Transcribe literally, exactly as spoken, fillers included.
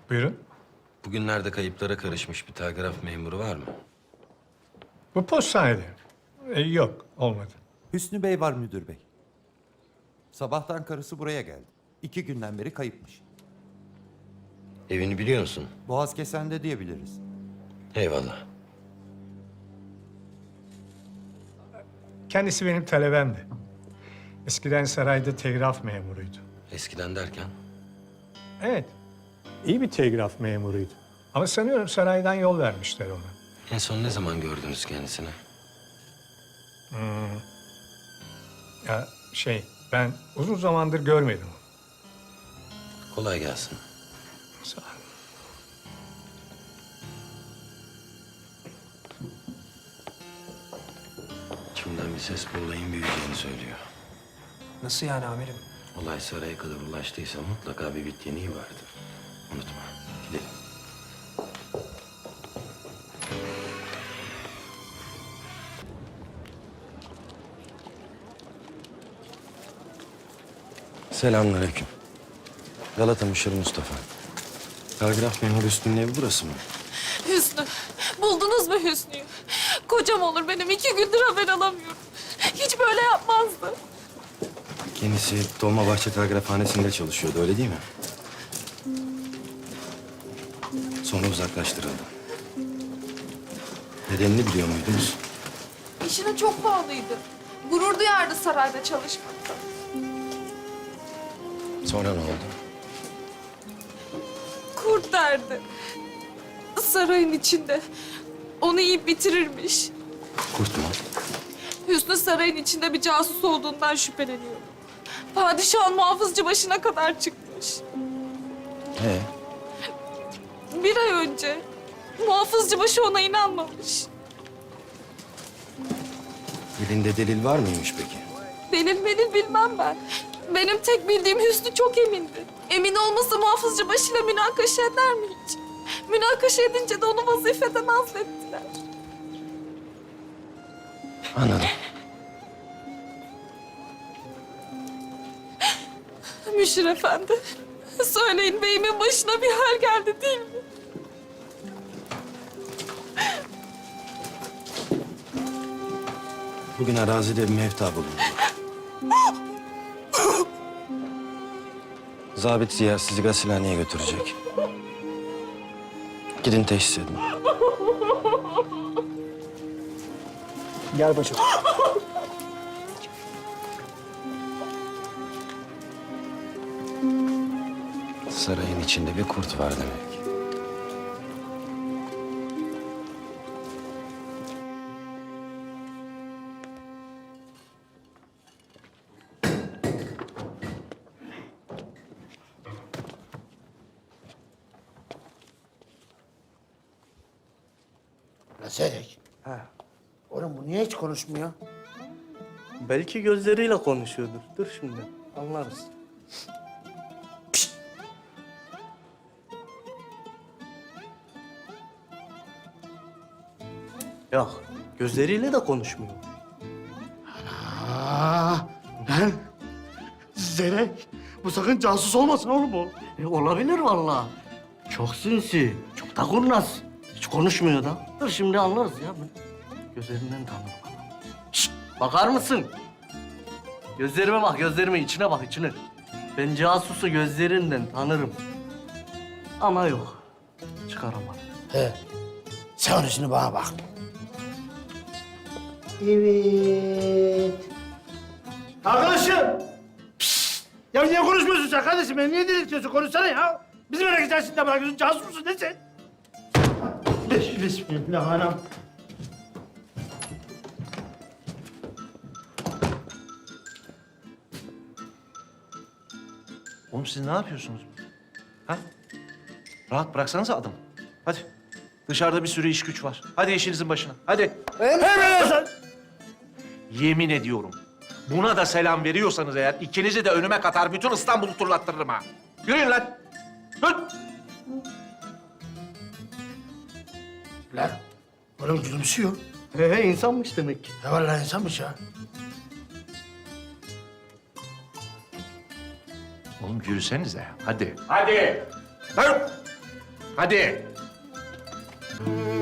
Buyurun. Bugünlerde kayıplara karışmış bir telgraf memuru var mı? Bu postanede. E, yok, olmadı. Hüsnü Bey var müdür bey. Sabahtan karısı buraya geldi. İki günden beri kayıpmış. Evini biliyor musun? Boğaz Kesen'de diyebiliriz. Eyvallah. Kendisi benim talebemdi. Eskiden sarayda telgraf memuruydu. Eskiden derken? Evet, iyi bir telgraf memuruydu. Ama sanıyorum saraydan yol vermişler ona. En son ne zaman gördünüz kendisini? Ya şey, ben uzun zamandır görmedim onu. Kolay gelsin. Sağ ol. İçimden bir ses bu olayın büyüyeceğini söylüyor. Nasıl yani amirim? Olay saraya kadar ulaştıysa mutlaka bir bittiğini vardır. Unutma. Gidelim. Selamünaleyküm. Galata Müşir Mustafa. Telgraf memuru Hüsnü'nün evi burası mı? Hüsnü, buldunuz mu Hüsnü'yü? Kocam olur benim, iki gündür haber alamıyorum. Hiç böyle yapmazdı. Kendisi Dolmabahçe Telgrafhanesi'nde çalışıyordu, öyle değil mi? Sonra uzaklaştırıldı. Nedenini biliyor muydunuz? İşine çok bağlıydı. Gurur duyardı sarayda çalışmakta. Sonra ne oldu? Kurt derdi. Sarayın içinde. Onu yiyip bitirirmiş. Kurt mu? Hüsnü sarayın içinde bir casus olduğundan şüpheleniyor. Padişahın muhafızcı başına kadar çıkmış. Ee, Bir ay önce muhafızcı başı ona inanmamış. elinde delil var mıymış peki? Delil melil bilmem ben. Benim tek bildiğim Hüsnü çok emindi. Emin olmasa muhafızcı başıyla münakaşa eder mi hiç? Münakaşa edince de onu vazifeden azlettiler. Anladım. Müşir efendi, söyleyin beyimin başına bir hal geldi değil mi? Bugün arazide bir mevta bulundu. Zabit Ziya sizi gasilhaneye götürecek. Gidin teşhis edin. Gel bacım. Sarayın içinde bir kurt var demek. Meselek. Ha. Oğlum bu niye hiç konuşmuyor? Belki gözleriyle konuşuyordur. Dur şimdi, anlarız. Yok, gözleriyle de konuşmuyor. Aa, lan. Zerek. Bu sakın casus olmasın oğlum bu. E, olabilir vallahi. Çok sinsi, çok da kurnaz. Hiç konuşmuyor da. Dur şimdi anlarız ya. Ben gözlerinden tanırım adamı. Şşt, bakar mısın? Gözlerime bak, gözlerime içine bak, içine. Ben casusu gözlerinden tanırım. Ama yok, çıkaramadım. He. Sen onun şimdi bana bak. Evet. Arkadaşım. Pişt. Ya niye konuşmuyorsun sen kardeşim? Beni niye delirtiyorsun? Konuşsana ya. Bizim merak içerisinde bırakıyorsun. Casus musun? Ne sen? Bismillahirrahmanirrahim. Oğlum siz ne yapıyorsunuz? Ha? Rahat bıraksanıza adam. Hadi. Dışarıda bir sürü iş güç var. Hadi işinizin başına. Hadi. Hemen sen. Yemin ediyorum. Buna da selam veriyorsanız eğer ikinizi de önüme katar bütün İstanbul'u turlattırırım ha. Yürüyün lan. Yürü. Lan. Oğlum gülümsüyor. He he, insanmış demek ki. Ya vallahi insanmış ya. Oğlum yürüsenize. Hadi. Hadi. Hadi. Hadi.